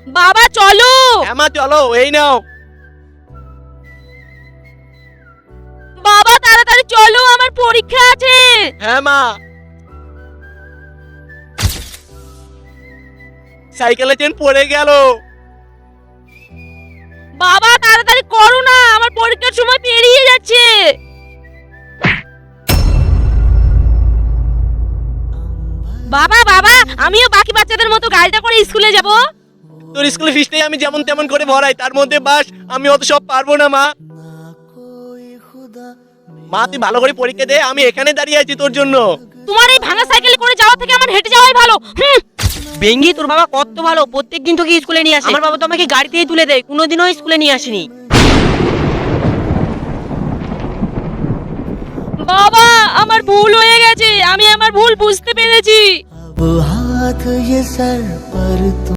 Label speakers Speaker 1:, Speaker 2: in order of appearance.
Speaker 1: বাবা চলো।
Speaker 2: হ্যাঁ মা চলো, এই নাও।
Speaker 1: বাবা তাড়াতাড়ি চলো, আমার পরীক্ষা আছে।
Speaker 2: হ্যাঁ মা। সাইকেলের চেন পড়ে গেল।
Speaker 1: বাবা তাড়াতাড়ি করো না, আমার পরীক্ষার সময় পেরিয়ে যাচ্ছে। বাবা বাবা, আমিও বাকি বাচ্চাদের মতো গাড়িটা করে স্কুলে যাব।
Speaker 2: তোর স্কুলের ফিসটাই আমি যেমন তেমন করে ভরাই, তার মধ্যে বাস আমি অত সব পারবো না মা। মা তুই ভালো করে পরীক্ষা দে, আমি এখানে দাঁড়িয়ে আছি তোর জন্য।
Speaker 1: তোমার এই ভাঙা সাইকেলে করে যাওয়া থেকে আমার হেঁটে যাওয়াই ভালো।
Speaker 3: বেঙ্গি, তোর বাবা কত ভালো, প্রত্যেকদিন তোকে স্কুলে নিয়ে আসে। আমার বাবা তো আমাকে গাড়িতেই তুলে দেয়, কোনোদিনও স্কুলে নিয়ে আসেনি।
Speaker 1: বাবা আমার ভুল হয়ে গেছে, আমি আমার ভুল বুঝতে পেরেছি।
Speaker 4: अब हाथ ये सर पर